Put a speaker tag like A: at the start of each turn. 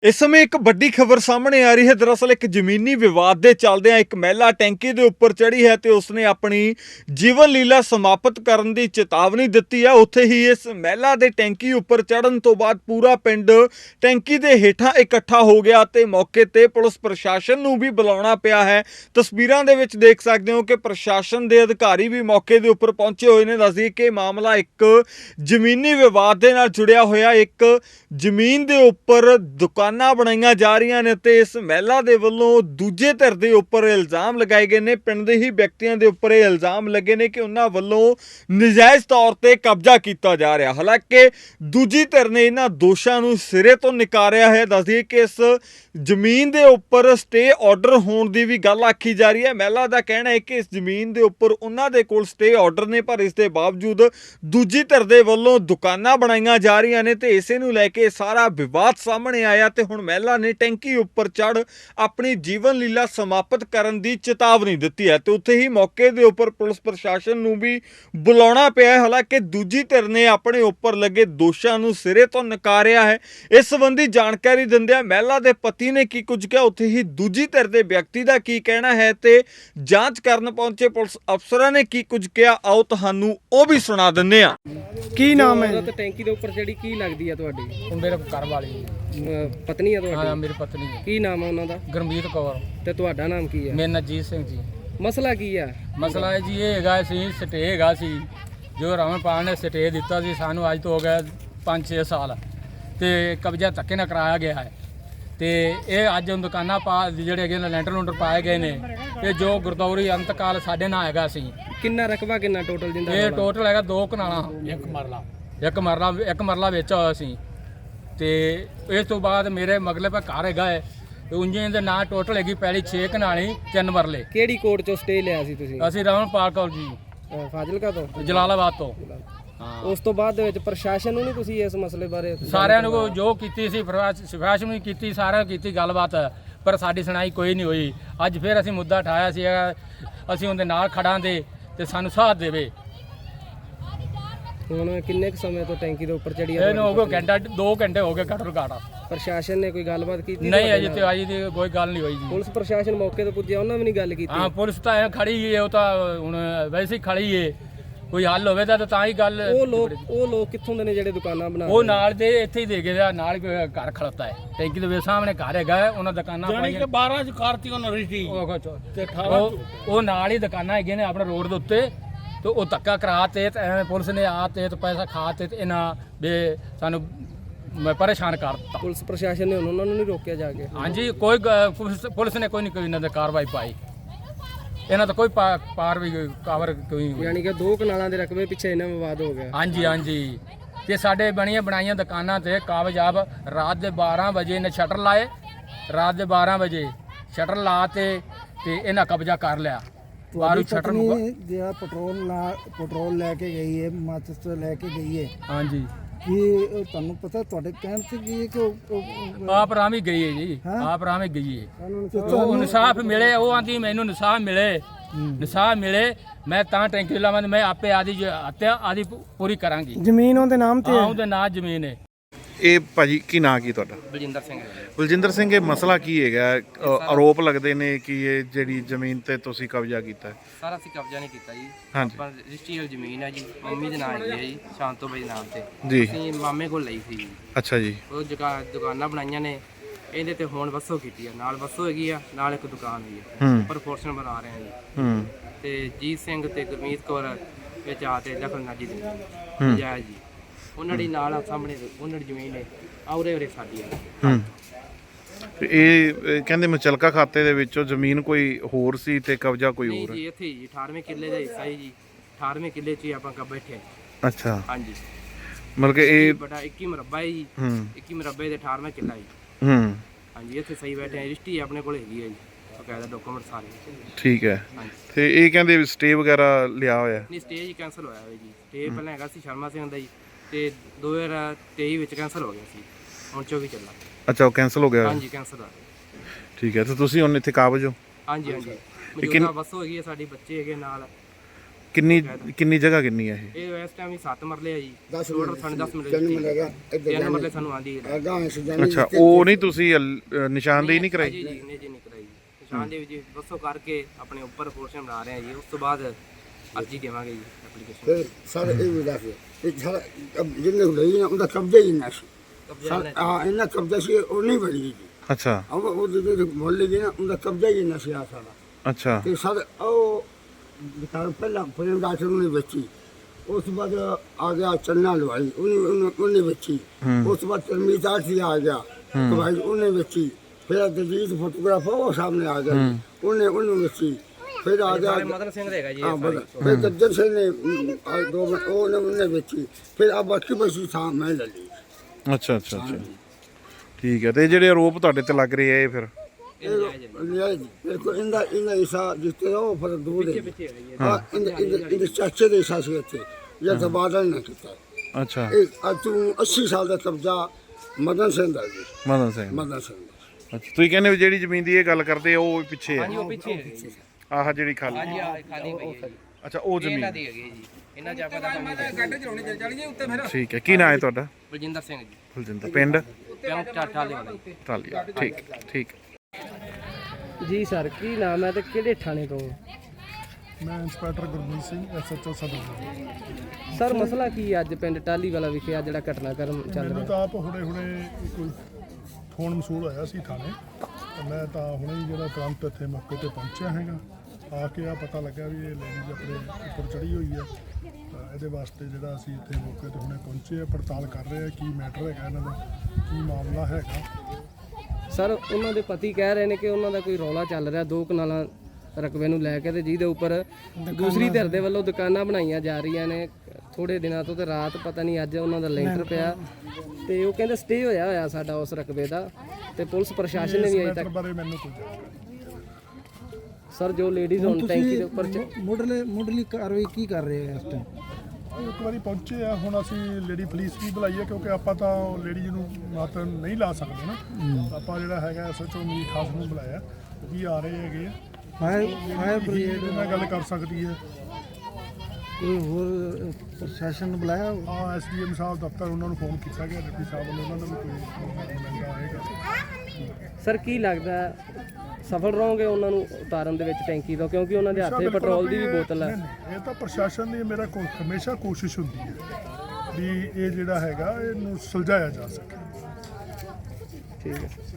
A: इस समय एक बड़ी खबर सामने आ रही है। दरअसल एक जमीनी विवाद के चलदे एक महिला टैंकी के उपर चढ़ी है तो उसने अपनी जीवन लीला समाप्त करने की चेतावनी दी है। उत्थे ही इस महिला के टैंकी उपर चढ़न तो बाद पूरा पिंड टैंकी के हेठां इकट्ठा हो गया तो मौके पर पुलिस प्रशासन नूं भी बुलाना पिया है। तस्वीरों के विच देख सकते हो कि प्रशासन के अधिकारी भी मौके के उपर पहुंचे हुए ने। दस दिए कि मामला एक जमीनी विवाद के नाल जुड़िया होया, एक ਜ਼ਮੀਨ ਦੇ ਉੱਪਰ ਦੁਕਾਨਾਂ ਬਣਾਈਆਂ ਜਾ ਰਹੀਆਂ ਨੇ ਤੇ ਇਸ ਮਹਿਲਾ ਦੇ ਵੱਲੋਂ ਦੂਜੇ ਧਿਰ ਦੇ ਉੱਪਰ ਇਲਜ਼ਾਮ ਲਗਾਏ ਗਏ ਨੇ। ਪਿੰਡ ਦੇ ਹੀ ਵਿਅਕਤੀਆਂ ਦੇ ਉੱਪਰ ਇਹ ਇਲਜ਼ਾਮ ਲੱਗੇ ਨੇ ਕਿ ਉਹਨਾਂ ਵੱਲੋਂ ਨਜਾਇਜ਼ ਤੌਰ ਤੇ ਕਬਜ਼ਾ ਕੀਤਾ ਜਾ ਰਿਹਾ। ਹਾਲਾਂਕਿ ਦੂਜੀ ਧਿਰ ਨੇ ਇਹਨਾਂ ਦੋਸ਼ਾਂ ਨੂੰ ਸਿਰੇ ਤੋਂ ਨਕਾਰਿਆ ਹੈ। ਦੱਸ ਦਈਏ ਕਿ ਇਸ ਜ਼ਮੀਨ ਦੇ ਉੱਪਰ ਸਟੇ ਆਰਡਰ ਹੋਣ ਦੀ ਵੀ ਗੱਲ ਆਖੀ ਜਾ ਰਹੀ ਹੈ। ਮਹਿਲਾ ਦਾ ਕਹਿਣਾ ਹੈ ਕਿ ਇਸ ਜ਼ਮੀਨ ਦੇ ਉੱਪਰ ਉਹਨਾਂ ਦੇ ਕੋਲ ਸਟੇ ਆਰਡਰ ਨੇ, ਪਰ ਇਸ ਦੇ ਬਾਵਜੂਦ ਦੂਜੀ ਧਿਰ ਦੇ ਵੱਲੋਂ ਦੁਕਾਨਾਂ ਬਣਾਈਆਂ ਜਾ ਰਹੀਆਂ ਨੇ ਤੇ ਇਸੇ ਨੂੰ ਲੈ ਕੇ सारा विवाद सामने आया तो हुण महिला ने टैंकी उपर चढ़ अपनी जीवन लीला समाप्त करने की चेतावनी दी है। तो उत्थे ही मौके के उपर पुलिस प्रशासन नूं भी बुलाना पिया। हालांकि दूजी धिर ने अपने उपर लगे दोषां नूं सिरे तो नकारिया है। इस संबंधी जानकारी दिंदिआं महिला के पति ने की कुछ कहा, उत्थे ही दूजी धिर के व्यक्ति का की कहना है तो जांच करन पहुंचे पुलिस अफसरां ने की कुछ कहा, आओ तुहानूं ओह भी सुना दिंदे आ।
B: की नाम है?
C: टैंकी के उपर चढ़ी की लगती है तुहाडी?
B: मेरे घर वाली
C: पत्नी है तुहाडी?
B: हाँ, मेरी पत्नी है।
C: की नाम है उन्हां दा?
B: गुरमीत कौर।
C: ते तुहाडा नाम की है?
B: मेरा नजीत सिंह जी।
C: मसला की है?
B: मसला है जी ये हैगा सी स्टे हैगा सी जो रावणपाल ने स्टे दिता सी सानू अज तो हो गया 5-6 साल ते कब्जा धक्के नाल कराया गया है ते ये अज दुकाना पा ਜਿਹੜੇ ਹੈਗੇ ਨੇ ਲੈਂਟਰ ਲੂੰਟਰ ਪਾਏ ਗਏ ਨੇ ਤੇ ਜੋ ਗੁਰਦੌਰੀ ਅੰਤਕਾਲ ਸਾਡੇ ਨਾਲ ਹੈਗਾ ਸੀ।
C: ਕਿੰਨਾ ਰਕਬਾ ਕਿੰਨਾ ਟੋਟਲ ਜਿੰਦਾ?
B: ਇਹ ਟੋਟਲ ਹੈਗਾ 2 ਕਨਾਲਾਂ, ਇੱਕ ਮਰਲਾ ਵੇਚਿਆ ਹੋਇਆ ਸੀ ਤੇ ਇਸ ਤੋਂ ਬਾਅਦ ਮੇਰੇ ਮਗਲੇ ਪਾ ਘਰ ਹੈਗਾ ਹੈ ਉਂਝੇ ਦੇ ਨਾਂ ਟੋਟਲ ਹੈਗੀ ਪਹਿਲੀ 6 ਕਨਾਲੀ 3 ਮਰਲੇ।
C: ਕਿਹੜੀ ਕੋਰਟ ਚੋਂ ਸਟੇ ਲਿਆ ਸੀ ਤੁਸੀਂ?
B: ਅਸੀਂ ਰਾਵਣਪਾਲ ਕੌਰ ਜੀ
C: ਫਾਜ਼ਿਲਕਾ ਤੋਂ?
B: ਜਲਾਲਾਬਾਦ ਤੋਂ। ਹਾਂ,
C: ਉਸ ਤੋਂ ਬਾਅਦ ਦੇ ਵਿੱਚ ਪ੍ਰਸ਼ਾਸਨ ਨੂੰ ਨਹੀਂ ਤੁਸੀਂ ਇਸ ਮਸਲੇ ਬਾਰੇ?
B: ਸਾਰਿਆਂ ਨੂੰ ਜੋ ਕੀਤੀ ਸੀ ਸਿਫਾਰਿਸ਼ ਵੀ ਕੀਤੀ, ਸਾਰਿਆਂ ਕੀਤੀ ਗੱਲਬਾਤ, ਪਰ ਸਾਡੀ ਸੁਣਾਈ ਕੋਈ ਨਹੀਂ ਹੋਈ। ਅੱਜ ਫਿਰ ਅਸੀਂ ਮੁੱਦਾ ਉਠਾਇਆ ਸੀ, ਅਸੀਂ ਉਹਦੇ ਨਾਲ ਖੜਾਂ ਦੇ ਤੇ ਸਾਨੂੰ ਸਾਥ ਦੇਵੇ।
C: ਹੁਣ ਕਿੰਨੇ ਕੁ ਸਮੇਂ ਤੋਂ ਟੈਂਕੀ ਦੇ ਉੱਪਰ ਚੜੀ
B: ਇਹਨੂੰ ਹੋ ਗਿਆ ਘੰਟਾ 2 ਘੰਟੇ ਹੋ ਗਏ ਘੱਟੋ ਘੱਟ।
C: ਪ੍ਰਸ਼ਾਸਨ ਨੇ ਕੋਈ ਗੱਲਬਾਤ ਕੀਤੀ?
B: ਨਹੀਂ, ਅਜੇ ਤੇ ਅਜੇ ਦੀ ਕੋਈ ਗੱਲ ਨਹੀਂ ਹੋਈ ਜੀ।
C: ਪੁਲਿਸ ਪ੍ਰਸ਼ਾਸਨ ਮੌਕੇ ਤੇ ਪੁੱਜਿਆ, ਉਹਨਾਂ ਵੀ ਨਹੀਂ ਗੱਲ ਕੀਤੀ?
B: ਹਾਂ, ਪੁਲਿਸ ਤਾਂ ਐ ਖੜੀ ਹੈ, ਉਹ ਤਾਂ ਹੁਣ ਵੈਸੇ ਹੀ ਖੜੀ ਹੈ, ਕੋਈ ਹੱਲ ਹੋਵੇ ਤਾਂ ਹੀ ਗੱਲ।
C: ਉਹ ਲੋਕ ਕਿੱਥੋਂ ਦੇ ਨੇ ਜਿਹੜੇ ਦੁਕਾਨਾਂ ਬਣਾ?
B: ਉਹ ਨਾਲ ਦੇ ਇੱਥੇ ਹੀ ਦੇ ਗਏ, ਨਾਲ ਘਰ ਖੜਤਾ ਹੈ ਟੈਂਕੀ ਦੇ ਸਾਹਮਣੇ ਘਰ ਹੈਗਾ, ਉਹਨਾਂ ਦੁਕਾਨਾਂ ਪਾਈਆਂ
D: 12 ਚ ਕਰਤੀ ਉਹਨਾਂ ਰਿਸ਼ਤੀ
B: ਤੇ ਉਹ ਨਾਲ ਹੀ ਦੁਕਾਨਾਂ ਹੈਗੀਆਂ ਨੇ ਆਪਣੇ ਰੋਡ ਦੇ ਉੱਤੇ। ਤੇ ਉਹ ਧੱਕਾ ਕਰਾ ਤੇ ਪੁਲਿਸ ਨੇ ਆ ਤੇ ਪੈਸਾ ਖਾ ਤੇ ਇਹਨਾਂ ਵੀ ਸਾਨੂੰ ਪਰੇਸ਼ਾਨ ਕਰ ਦਿੱਤਾ।
C: ਪੁਲਿਸ ਪ੍ਰਸ਼ਾਸਨ ਨੇ ਉਹਨਾਂ ਨੂੰ ਨਹੀਂ ਰੋਕਿਆ ਜਾ ਕੇ?
B: ਹਾਂਜੀ, ਪੁਲਿਸ ਨੇ ਕੋਈ ਇਹਨਾਂ ਦੇ ਕਾਰਵਾਈ ਪਾਈ, ਇਹਨਾਂ ਦਾ ਕੋਈ ਕਾਰਵਾਈ ਕੋਈ।
C: ਯਾਨੀ ਕਿ 2 ਕਨਾਲਾਂ ਦੇ ਰਕਬੇ ਪਿੱਛੇ ਇਹਨਾਂ ਵਿਵਾਦ ਹੋ ਗਿਆ?
B: ਹਾਂਜੀ। ਤੇ ਸਾਡੇ ਬਣਾਈਆਂ ਦੁਕਾਨਾਂ ਤੇ ਕਾਬਜਾਬ ਰਾਤ ਦੇ 12 ਵਜੇ ਨੇ ਸ਼ਟਰ ਲਾਏ, ਰਾਤ ਦੇ 12 ਵਜੇ ਸ਼ਟਰ ਲਾ ਤੇ ਇਹਨਾਂ ਕਬਜ਼ਾ ਕਰ ਲਿਆ।
E: ਤੁਹਾਡੀ ਪਤਨੀ ਜਿਹੜਾ ਪੈਟਰੋਲ ਲੈ ਕੇ ਗਈ ਹੈ, ਮਾਚਿਸ ਲੈ ਕੇ ਗਈ ਹੈ,
B: ਹਾਂਜੀ,
E: ਕੀ ਤੁਹਾਨੂੰ ਪਤਾ ਤੁਹਾਡੇ ਕਹਿਣ ਤੇ ਕੀ ਹੈ ਕਿ
B: ਆਪ ਰਾਮ ਹੀ ਗਈ ਹੈ ਜੀ, ਆਪ ਰਾਮ ਹੀ ਗਈ ਹੈ। ਉਹ ਇਨਸਾਫ ਮਿਲੇ, ਉਹ ਆਂਦੀ ਮੈਨੂੰ ਇਨਸਾਫ ਮਿਲੇ ਮੈਂ ਤਾਂ ਟੈਂਕੀ ਲਾਵਾਂ, ਮੈਂ ਆਪੇ ਆਦੀ ਪੂਰੀ ਕਰਾਂਗੀ।
C: ਜ਼ਮੀਨ ਉਹਦੇ ਨਾਮ ਤੇ?
B: ਉਹਦੇ ਨਾਂ ਜ਼ਮੀਨ ਹੈ।
A: ਇਹ ਭਾਜੀ ਕੀ ਨਾਂ ਕੀ ਤੁਹਾਡਾ?
C: ਬਲਜਿੰਦਰ ਸਿੰਘ।
A: ਬਲਜਿੰਦਰ ਸਿੰਘ, ਇਹ ਮਸਲਾ ਕੀ ਹੈਗਾ? ਆਰੋਪ ਲੱਗਦੇ ਨੇ ਕਿ ਇਹ ਜਿਹੜੀ ਜ਼ਮੀਨ ਤੇ ਤੁਸੀਂ ਕਬਜ਼ਾ ਕੀਤਾ ਹੈ।
F: ਸਾਰਾ ਅਸੀਂ ਕਬਜ਼ਾ ਨਹੀਂ ਕੀਤਾ ਜੀ।
A: ਹਾਂਜੀ।
F: ਪਰ ਰਜਿਸਟਰੀਅਲ ਜ਼ਮੀਨ ਹੈ ਜੀ, ਮੰਮੀ ਦੇ ਨਾਮ ਹੈਗੀ ਹੈ ਜੀ, ਸ਼ਾਂਤੋ ਬਾਈ ਨਾਮ ਤੇ।
A: ਜੀ।
F: ਅਸੀਂ ਮਾਮੇ ਕੋਲ ਲਈ ਸੀ ਜੀ।
A: ਅੱਛਾ ਜੀ।
F: ਉਹ ਦੁਕਾਨਾਂ ਬਣਾਈਆਂ ਨੇ, ਇਹਦੇ ਤੇ ਹੁਣ ਵਸੋਂ ਕੀਤੀ ਆ, ਨਾਲ ਵਸੋਂ ਹੈਗੀ ਆ, ਨਾਲ ਇੱਕ ਦੁਕਾਨ ਹੈਗੀ ਆ, ਪ੍ਰੋਪੋਰਸ਼ਨ ਬਣਾ ਰਹੇ ਆ ਜੀ। ਤੇ ਜੀਤ ਸਿੰਘ ਤੇ ਗੁਰਮੀਤ ਕੌਰ ਵਿੱਚ ਆ ਤੇ ਦਖਲਅੰਦਾਜ਼ੀ ਦਿੰਦੇ ਜਾਇਜ਼ ਜੀ। ਉਹਨਾਂ ਦੀ ਨਾਲ ਸਾਹਮਣੇ ਉਹਨਾਂ ਦੀ ਜ਼ਮੀਨ ਹੈ, ਉਰੇ ਸਾਡੀ ਹੈ।
A: ਇਹ ਕਹਿੰਦੇ ਮੁਚਲਕਾ ਖਾਤੇ ਦੇ ਵਿੱਚੋਂ ਜ਼ਮੀਨ ਕੋਈ ਹੋਰ ਸੀ ਤੇ ਕਬਜ਼ਾ ਕੋਈ ਹੋਰ?
F: ਜੀ ਇੱਥੇ ਜੀ 18ਵੇਂ ਕਿੱਲੇ ਦਾ ਹਿੱਸਾ ਹੈ ਜੀ, 18ਵੇਂ ਕਿੱਲੇ 'ਚ ਹੀ ਆਪਾਂ ਕਾ ਬੈਠੇ।
A: ਅੱਛਾ,
F: ਹਾਂਜੀ।
A: ਮਤਲਬ ਕਿ ਇਹ
F: ਬੜਾ 21 ਮੁਰੱਬਾ ਹੈ ਜੀ, 21 ਮੁਰੱਬੇ ਦੇ 18ਵਾਂ ਕਿੱਲਾ ਜੀ। ਹਾਂਜੀ, ਇੱਥੇ ਸਹੀ ਬੈਠੇ ਆ, ਰਜਿਸਟਰੀ ਆਪਣੇ ਕੋਲ ਹੈਗੀ ਹੈ ਜੀ, ਬਕਾਇਦਾ ਡਾਕੂਮੈਂਟ ਸਾਰੇ। ਠੀਕ
A: ਹੈ। ਤੇ ਇਹ ਕਹਿੰਦੇ ਸਟੇ ਵਗੈਰਾ ਲਿਆ ਹੋਇਆ?
F: ਨਹੀਂ, ਸਟੇ ਹੀ ਕੈਂਸਲ ਹੋਇਆ ਹੋਇਆ ਜੀ। ਸਟੇ ਪਹਿਲਾਂ ਹੈਗਾ ਸੀ ਸ਼ਰਮਾ ਸਿੰਘ ਦਾ ਜੀ, ਤੇ 2023 ਵਿੱਚ ਕੈਂਸਲ ਹੋ ਗਿਆ ਸੀ, ਹੁਣ 24 ਚੱਲਾ।
A: ਅੱਛਾ, ਉਹ ਕੈਂਸਲ ਹੋ ਗਿਆ?
F: ਹਾਂਜੀ, ਕੈਂਸਲ ਹੋਇਆ।
A: ਠੀਕ ਹੈ, ਤੇ ਤੁਸੀਂ ਹੁਣ ਇੱਥੇ ਕਾਬਜ ਹੋ?
F: ਹਾਂਜੀ। ਮੌਜੂਦਾ ਵਸੋਂ ਹੈਗੀ ਹੈ ਸਾਡੀ, ਬੱਚੇ ਹੈਗੇ ਨਾਲ।
D: ਕਿੰਨੀ ਜਗ੍ਹਾ ਕਿੰਨੀ ਹੈ ਇਹ?
F: ਇਹ ਇਸ ਟਾਈਮ ਹੀ 7 ਮਰਲੇ ਆ ਜੀ
E: 10
F: ਟੋਟਲ ਸਾਨੂੰ 10 ਮਰਲੇ ਦਿੱਤੀ 3 ਮਰਲੇ ਸਾਨੂੰ ਆਂਦੀ ਹੈ
D: ਅੱਛਾ, ਉਹ ਨਹੀਂ ਤੁਸੀਂ ਨਿਸ਼ਾਨਦੇਹੀ ਨਹੀਂ ਕਰਾਈ?
F: ਜੀ ਨਹੀਂ ਜੀ ਨਹੀਂ ਕਰਾਈ ਨਿਸ਼ਾਨ ਦੇ ਵਿੱਚ ਵਸੋਂ ਕਰਕੇ ਆਪਣੇ ਉੱਪਰ ਪੋਰਸ਼ਨ ਬਣਾ ਰਹੇ ਆ ਜੀ। ਉਸ ਤੋਂ ਬਾਅਦ ਅਰਜੀ ਦੇਵਾਂਗੇ ਜੀ ਐਪਲੀਕੇਸ਼ਨ।
G: ਫਿਰ ਸਾਰੇ ਇਹ ਵੀ ਦੱਸ ਇਹ ਸਾਰਾ ਜਿੰਨੇ ਲਈ ਨਾ ਉਹਦਾ ਕਬਜ਼ਾ ਹੀ ਨਾ ਸੀ। ਹਾਂ ਇਹਨਾਂ ਕਬਜ਼ਾ ਸੀ ਉਹ ਨਹੀਂ ਬਣੀ ਜੀ।
D: ਅੱਛਾ
G: ਉਹ ਜਿਹੜੇ ਮੁਹੱਲੇ ਦੇ ਨਾ ਉਹਦਾ ਕਬਜ਼ਾ ਹੀ ਨਾ ਸੀ ਸਾਰਾ।
D: ਅੱਛਾ
G: ਤੇ ਸਰ ਉਹ ਵਿਚਾਰ ਪਹਿਲਾਂ ਪ੍ਰੇਮ ਡਾਕਟਰ ਨੇ ਵੇਚੀ। ਉਸ ਤੋਂ ਬਾਅਦ ਆ ਗਿਆ ਚੰਨਾ ਲਵਾਈ ਉਹਨੇ ਵੇਚੀ। ਉਸ ਤੋਂ ਬਾਅਦ ਤਰਮੀਤ ਆਠੀ ਆ ਗਿਆ तो भाई ਉਹਨੇ ਵੇਚੀ। ਫਿਰ ਦਲਜੀਤ ਫੋਟੋਗ੍ਰਾਫਰ ਉਹ ਸਾਹਮਣੇ ਆ ਗਿਆ ਉਹਨੂੰ ਵੇਚੀ। फिर आ गया
F: मदन सिंह रहेगा जी।
G: हाँ फिर गद्दर सिंह ने दो उन्होंने बेची। फिर अब बाकी बची था मैं ले ली।
D: ਅੱਛਾ ਅੱਛਾ ਅੱਛਾ ਠੀਕ ਹੈ। ਤੇ ਜਿਹੜੇ ਆਰੋਪ ਤੁਹਾਡੇ ਤੇ ਲੱਗ ਰਹੇ ਆ ਇਹ ਫਿਰ
G: बिल्कुल इनका हिस्सा जितने वो फिर दूर है। हाँ इनके चाचे के हिस्सा से थे या तबादला ना किया।
D: ਅੱਛਾ
G: तू 80 साल का कब्जा मदन सिंह का जी।
D: ਮਦਨ ਸਿੰਘ
G: मदन सिंह का।
D: ਅੱਛਾ ਤੁਸੀਂ ਕਹਿੰਦੇ ਵੀ ਜਿਹੜੀ ਜ਼ਮੀਨ ਦੀ ਇਹ ਗੱਲ ਕਰਦੇ ਆ ਉਹ ਪਿੱਛੇ
F: हाँ
D: ਹੈ?
F: जी वो पीछे है जी।
D: ਆਹ ਜਿਹੜੀ ਖਾਲੀ
F: हाँ जी खाली पई है जी।
D: ਅੱਛਾ ਉਹ
F: ਇਹਨਾਂ
D: ਜ਼ਮੀਨ
F: ਦੀ ਹੈਗੀ ਜੀ। ਇਹਨਾਂ ਚ ਆਪਾਂ ਦਾ ਕੰਮ ਨਹੀਂ।
D: ਠੀਕ ਹੈ। ਕੀ ਨਾਂ ਹੈ ਤੁਹਾਡਾ?
F: ਬਲਜਿੰਦਰ ਸਿੰਘ ਜੀ।
D: ਬਲਜਿੰਦਰ। ਪਿੰਡ?
F: ਪਿੰਡ ਟਾਟਾਲੇ ਵਾਲਾ ਜੀ।
D: ਟਾਲੀਆ। ਠੀਕ ਠੀਕ।
C: ਜੀ ਸਰ ਕੀ ਨਾਮ ਹੈ ਤੇ ਕਿਹੜੇ ਥਾਣੇ ਤੋਂ?
H: ਮੈਂ ਇੰਸਪੈਕਟਰ ਗੁਰਮੀਤ ਸਿੰਘ ਐਸਐਚਓ ਸਦਰ।
C: ਸਰ ਮਸਲਾ ਕੀ ਹੈ ਅੱਜ ਪਿੰਡ ਟਾਲੀ ਵਾਲਾ ਵਿਖੇ ਆ ਜਿਹੜਾ ਘਟਨਾਕ੍ਰਮ ਚੱਲ
H: ਮੈਨੂੰ
C: ਰਿਹਾ?
H: ਤਾਂ ਆਪ ਹੁਣੇ ਕੋਈ ਫੋਨ ਮਸੂਲ ਹੋਇਆ ਸੀ ਥਾਣੇ ਤੇ ਮੈਂ ਤਾਂ ਹੁਣੇ ਹੀ ਜਿਹੜਾ ਤੁਰੰਤ ਇੱਥੇ ਮੌਕੇ ਤੇ ਪਹੁੰਚਿਆ ਹੈਗਾ। ਆ ਕੇ ਆ ਪਤਾ ਲੱਗਾ ਵੀ ਇਹ ਲੇਡੀ ਆਪਣੇ ਉੱਪਰ ਚੜੀ ਹੋਈ ਹੈ। ਤਾਂ ਇਹਦੇ ਵਾਸਤੇ ਜਿਹੜਾ ਅਸੀਂ ਇੱਥੇ ਮੌਕੇ ਤੇ ਹੁਣੇ ਪਹੁੰਚੇ ਆ, ਪੜਤਾਲ ਕਰ ਰਹੇ ਆ ਕੀ ਮੈਟਰ ਹੈਗਾ ਇਹਨਾਂ ਦਾ, ਕੀ ਮਾਮਲਾ ਹੈਗਾ।
C: ਸਰ ਉਹਨਾਂ ਦੇ ਪਤੀ ਕਹਿ ਰਹੇ ਨੇ ਕਿ ਉਹਨਾਂ ਦਾ ਕੋਈ ਰੌਲਾ ਚੱਲ ਰਿਹਾ 2 ਕਨਾਲਾਂ ਰਕਬੇ ਨੂੰ ਲੈ ਕੇ ਤੇ ਜਿਹਦੇ ਉੱਪਰ ਦੂਸਰੀ ਧਿਰ ਦੇ ਵੱਲੋਂ ਦੁਕਾਨਾਂ ਬਣਾਈਆਂ ਜਾ ਰਹੀਆਂ ਨੇ ਥੋੜੇ ਦਿਨਾਂ ਤੋਂ। ਤੇ ਰਾਤ ਪਤਾ ਨਹੀਂ ਅੱਜ ਉਹਨਾਂ ਦਾ ਲੈਂਟਰ ਪਿਆ ਤੇ ਉਹ ਕਹਿੰਦੇ ਸਟੇ ਹੋਇਆ ਸਾਡਾ ਉਸ ਰਕਬੇ ਦਾ ਤੇ ਪੁਲਿਸ ਪ੍ਰਸ਼ਾਸਨ ਨੇ ਵੀ ਅਜੇ
H: ਮੈਟਰ
C: ਤੱਕ।
H: ਬਾਰੇ ਮੈਨੂੰ ਕੋਈ ਜਾਣਕਾਰੀ ਨਹੀਂ।
C: ਸਰ ਜੋ ਲੇਡੀਜ਼ ਹੁਣ ਟੈਂਕੀ ਦੇ ਉੱਪਰ
E: ਮੁੱਢਲੀ ਕਾਰਵਾਈ ਕੀ ਕਰ ਰਹੇ ਹੋ ਇਸ ਟਾਈਮ?
H: ਇੱਕ ਵਾਰੀ ਪਹੁੰਚੇ ਆ, ਹੁਣ ਅਸੀਂ ਲੇਡੀ ਪੁਲਿਸ ਵੀ ਬੁਲਾਈ ਹੈ ਕਿਉਂਕਿ ਆਪਾਂ ਤਾਂ ਲੇਡੀ ਨੂੰ ਮਤ ਨਹੀਂ ਲਾ ਸਕਦੇ ਨਾ। ਆਪਾਂ ਜਿਹੜਾ ਹੈਗਾ ਐਸਐਚਓ ਮੀਰ ਖਾਸ ਨੂੰ ਬੁਲਾਇਆ, ਉਹ ਵੀ ਆ ਰਹੇ ਹੈਗੇ ਆ।
E: ਫਾਇਰ ਬ੍ਰਿਗੇਡ
H: ਨਾਲ ਗੱਲ ਕਰ ਸਕਦੀ ਹੈ।
E: ਕੋਈ ਹੋਰ ਪ੍ਰਸ਼ਾਸਨ ਨੂੰ ਬੁਲਾਇਆ?
H: ਹਾਂ ਐਸਡੀਐਮ ਸਾਹਿਬ ਦਫ਼ਤਰ ਉਹਨਾਂ ਨੂੰ ਫੋਨ ਕੀਤਾ ਗਿਆ, ਡਿਪਟੀ ਸਾਹਿਬ ਵੱਲੋਂ ਉਹਨਾਂ ਨੂੰ ਵੀ ਕੋਈ ਮਿਲਦਾ ਆਏਗਾ।
C: ਸਰ ਕੀ ਲੱਗਦਾ ਸਫਲ ਰਹੋਗੇ ਉਹਨਾਂ ਨੂੰ ਉਤਾਰਨ ਦੇ ਵਿੱਚ ਟੈਂਕੀ ਤੋਂ, ਕਿਉਂਕਿ ਉਹਨਾਂ ਦੇ ਹੱਥੇ ਪੈਟਰੋਲ ਦੀ ਵੀ ਬੋਤਲ ਹੈ?
H: ਇਹ ਤਾਂ ਪ੍ਰਸ਼ਾਸਨ ਦੀ ਮੇਰਾ ਹਮੇਸ਼ਾ ਕੋਸ਼ਿਸ਼ ਹੁੰਦੀ ਹੈ ਵੀ ਇਹ ਜਿਹੜਾ ਹੈਗਾ ਇਹਨੂੰ ਸੁਲਝਾਇਆ ਜਾ ਸਕੇ।
C: ਠੀਕ ਹੈ।